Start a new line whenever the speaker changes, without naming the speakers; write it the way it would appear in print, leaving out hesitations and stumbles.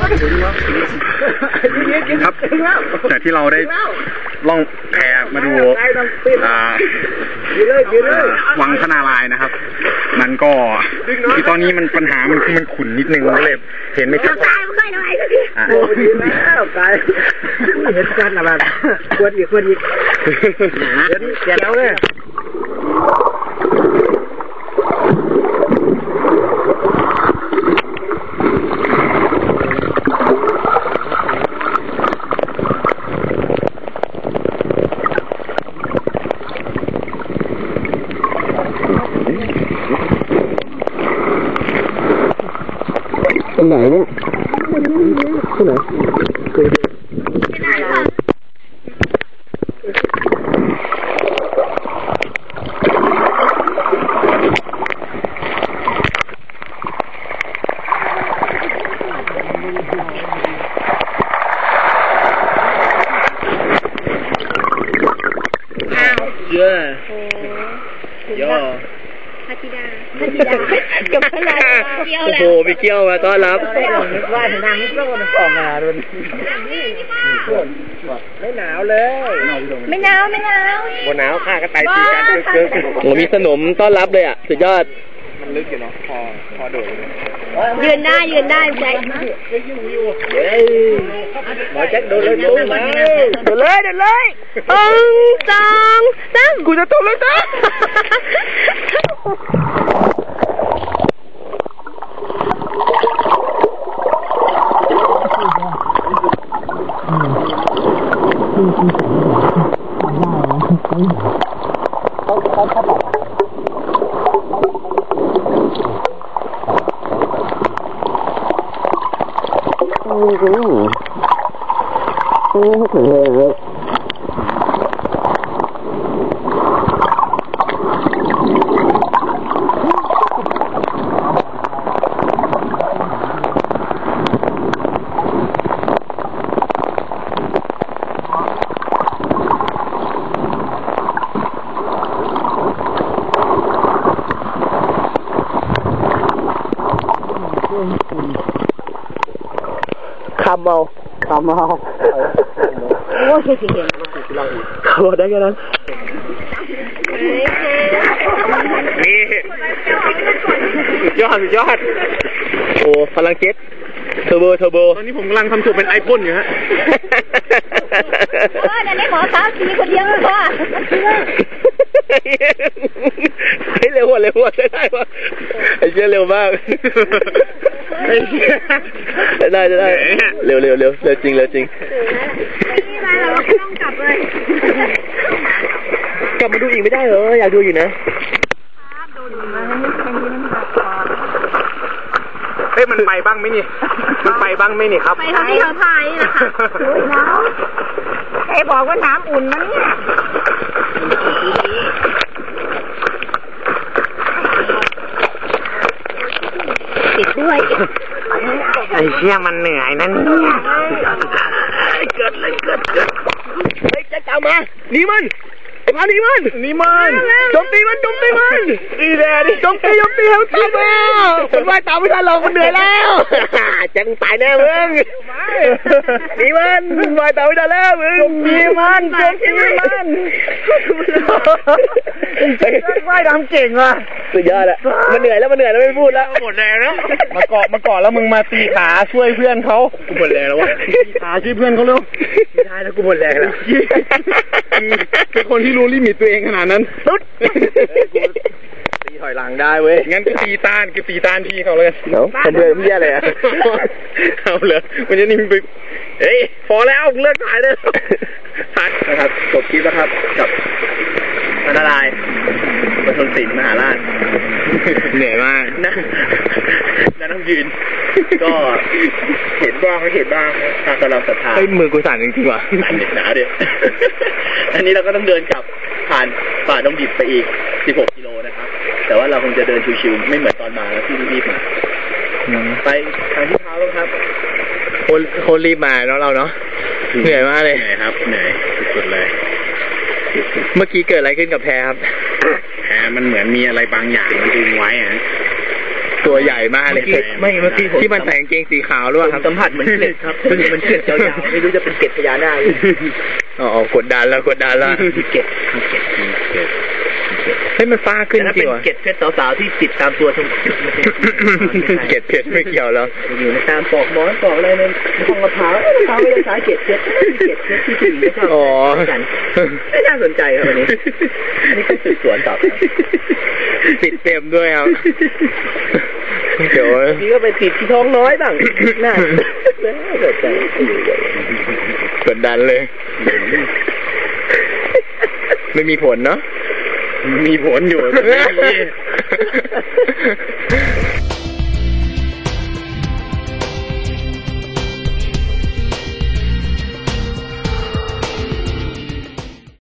ครับแต่ที่เราได้ล่องแพมาดูวังพระนารายณ์นะครับมันก็คือตอนนี้มันปัญหามันคือมันขุ่นนิดนึงเลยเห็นไม่ชัด
โอ้ดีแล้วตายเห็นกันอะไรควรอีกเดี๋ยวเลย
ตรงไหนเนี่ยตรงไหน
เยอะย่อ
พัทยากับพลายเกี่ยวแล้ว
โอ้โหไปเกี่ยวมาต้อนรับ
ว่าทางนี้ก็มันออกมาโดนไม่หนาวเลย
ไม่หนาวบ
นหนาวข้าก็ไต่ตีกันเกิน
โอ้มีขนมต้อนรับเลยอ่ะสุดยอด
มันลึกอยู่เนาะพอโดด
ยืนได้แจ็ค
หมอแจ็คโดดเลยมา
เดินเลย2 3กูจะตกเลยจ้าคำเอา
โอ้ยเก่ง
เขาได้แค่นั้น
นี่สุดยอด
โอ้พลังเจ็ตเทอร์โบ
ตอนนี้ผมกำลังทำสูตรเป็นไอพ่นอยู่ฮะ
เดี๋ยวนี้หมอสาวสีคนเดียวเลยค่ะ
เร็วได้ปะไอ้เชี่ยเร็วมากได้เร็วจริง
นี่มาเราต้องกลับเลย
กลับมาดูอีกไม่ได้เหรออยากดูอยู่นะ
มันไปบ้างไหมนี่ครับ
ไปเท่าที่เขาถ่ายนะคะน้ำไอ้บอกว่าน้ำอุ่นมันเนี่ยติดด้วย
ไอ้เชี่ยมันเหนื่อยนั่นเนี่ย
เกิดเฮ้ยจะกลับมานี่มันไอ้พันนี่มันโจมตีมัน
ดีแน่ดิ
โจมตีให้มันตายมามันว่ายตามไม่ทันเรามันเหนื่อยแล้วจะตายแน่มึงนี่มันว่ายตามไม่ทันแล้วมึง
โจมตีมันว่ายน้ำเก่งว่ะ
สุดยอดอะมันเหนื่อยแล้วไม่พูดแล้ว
หมดแรงแล้ว
มาเกาะแล้วมึงมาตีขาช่วยเพื่อนเขา
กูหมดแรงแล้ววะ
ตีขาช่วยเพื่อนเขาเร็ว
ไม่ได้แล้วกูหมดแรงแล้ว
เป็นคนที่รู้ลิมิตตัวเองขนาดนั้น
ตีถอยหลังได้เว้ย
งั้นก็ตีต้านพี่เขาเลย
เนาะทำเพื่อนพี่อะไรอะ
เอาเลยมันจะนิ่มไปเฮ้ยพอแล้วเลิกถ่ายเลย
นะครับจบคลิปแล้วครับกับพระนารายณ์ประชนศิลป์มหาราช
เหนื่อยมาก
นะต้องยืนก็เห็นบ้างไม่เห็นบ้างตามกำลังศรัทธา
มือกูสั่นจริงๆว่ะ
สั่นเด็กหนาเดียวอันนี้เราก็ต้องเดินกลับผ่านป่าดงดิบไปอีก16 กิโลนะครับแต่ว่าเราคงจะเดินชิวๆไม่เหมือนตอนมาแล้วที่รีบมาไปทางที่เท้าแล้วครับ
คนรีบมาเนาะเราเนาะเหนื่อยมากเลย
ครับเหนื่อยสุดๆเลย
เมื่อกี้เกิดอะไรขึ้นกับแพครับ
แพมันเหมือนมีอะไรบางอย่างมันดึงไว้อะ
ตัวใหญ่มากเลย
ไม่เมื่อกี้ผม
ที่มันใส่กางเกงสีขาวหรือเปล่าครับ
สัมผัสเหมือนเกล็ดครับมันเกล็ดยาวๆไม่รู้จะเป็นเกล็ดพญานาค
อ๋อกดดันแล้วเกล็ดให้มันฟ้าขึ้นจริงวะ
เกล็ดเพชรสาวๆที่ติดตามตัวทั้ง
เกล็ดเพชรไม่เกี่ยวแล้ว
อยู่ในตามปอกหมอนปอกอะไรในห้องมะพร้าวไม่ได้ใช้เกล็ดเพชรเกล็ดเพชรที่ถึงนะครับ
อ๋อ
ไม่น่าสนใจครับอันนี้ก็สืบสวนต่อ
ติดเต็มด้วยครับเดี๋ยว
นี่ก็ไปติดที่ท้องน้อยบ้างน่าสนใจ
กดดันเลย ไม่มีผลเนาะ
มีผลอยู่